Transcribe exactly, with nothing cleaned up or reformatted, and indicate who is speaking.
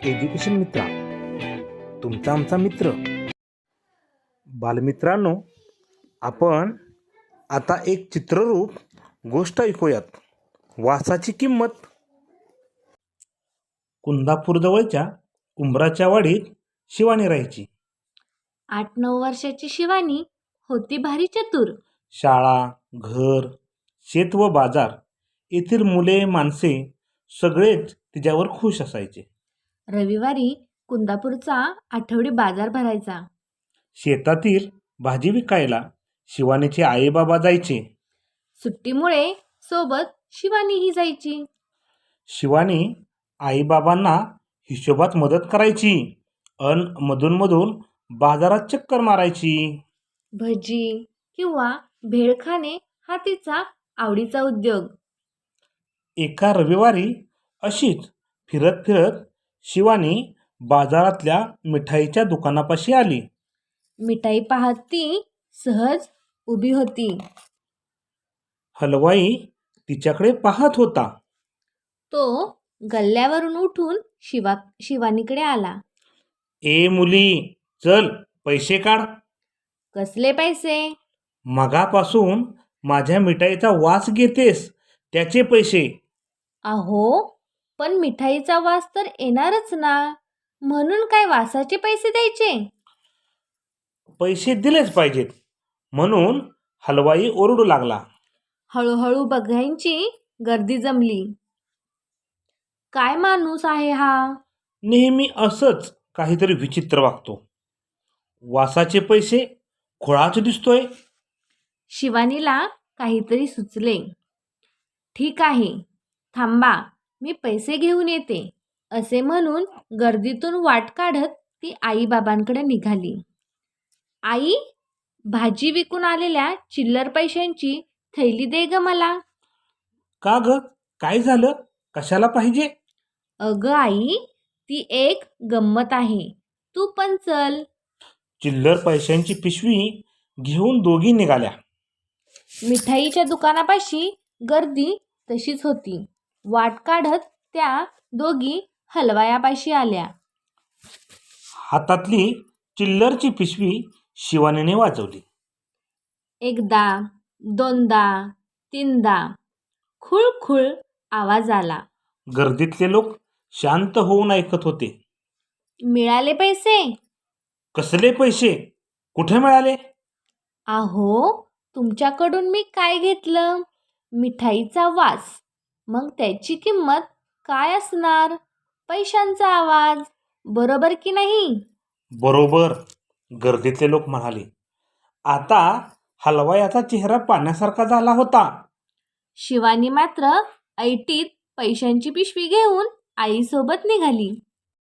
Speaker 1: Education मित्रा, तुमचा आमचा मित्र. बालमित्रांनो, आपण आता एक चित्ररूप गोष्ट ऐकूयात. वासाची किंमत. कुंदापूरजवळच्या उंबराच्या वाडीत शिवानी राहायची.
Speaker 2: आठ नऊ वर्षाची शिवानी होती भारी चतुर.
Speaker 1: शाळा, घर, शेत व बाजार येथील मुले माणसे सगळेच तिच्यावर खुश असायचे.
Speaker 2: रविवारी कुंदापूरचा आठवडी बाजार भरायचा.
Speaker 1: शेतातील भाजी विकायला शिवानीचे आईबाबा जायचे.
Speaker 2: सुट्टीमुळे सोबत शिवानीही जायची.
Speaker 1: शिवानी आईबाबांना हिशोबात मदत करायची अन मधूनमधून बाजारात चक्कर मारायची.
Speaker 2: भजी किंवा भेळ खाणे हा तिचा आवडीचा उद्योग.
Speaker 1: एका रविवारी अशीच फिरत फिरत शिवानी बाजारातल्या मिठाईच्या दुकानापाशी आली.
Speaker 2: मिठाई पाहत ती सहज उभी होती.
Speaker 1: हलवाई तिच्याकडे पाहत होता.
Speaker 2: तो गल्ल्यावरून उठून शिवा शिवानीकडे आला.
Speaker 1: ए मुली, चल पैसे काढ.
Speaker 2: कसले पैसे?
Speaker 1: मगापासून माझ्या मिठाईचा वास घेतेस त्याचे पैसे.
Speaker 2: अहो, पण मिठाईचा वास तर येणारच ना, म्हणून काय वासाचे पैसे द्यायचे?
Speaker 1: पैसे दिलेच पाहिजेत म्हणून हलवाई ओरडू लागला.
Speaker 2: हळूहळू बघायची गर्दी जमली. काय माणूस आहे हा?
Speaker 1: नेहमी असंच काहीतरी विचित्र वागतो. वासाचे पैसे खोळाच दिसतोय.
Speaker 2: शिवानीला काहीतरी सुचले. ठीक आहे, थांबा, मी पैसे घेऊन येते, असे म्हणून गर्दीतून वाट काढत ती आईबाबांकडे निघाली. आई, भाजी विकून आलेल्या चिल्लर पैशांची थैली दे ग मला.
Speaker 1: का ग, काय झालं? कशाला पाहिजे?
Speaker 2: अगं आई, ती एक गंमत आहे, तू पण चल.
Speaker 1: चिल्लर पैशांची पिशवी घेऊन दोघी निघाल्या.
Speaker 2: मिठाईच्या दुकानापाशी गर्दी तशीच होती. वाट काढत त्या दोघी हलवायापाशी आल्या.
Speaker 1: हातातली चिल्लरची पिशवी शिवानीने वाजवली.
Speaker 2: एकदा, दोनदा, तीनदा खुळखुळ आवाज आला.
Speaker 1: गर्दीतले लोक शांत होऊन ऐकत होते.
Speaker 2: मिळाले पैसे?
Speaker 1: कसले पैसे? कुठे मिळाले?
Speaker 2: अहो, तुमच्याकडून मी काय घेतलं? मिठाईचा वास. मग त्याची किंमत काय असणार? पैशांचा आवाज. बरोबर की नाही?
Speaker 1: बरोबर, गर्दीतले लोक म्हणाले. आता हलवायाचा चेहरा पाण्यासारखा झाला होता.
Speaker 2: शिवानी मात्र ऐटीत पैशांची पिशवी घेऊन आईसोबत निघाली.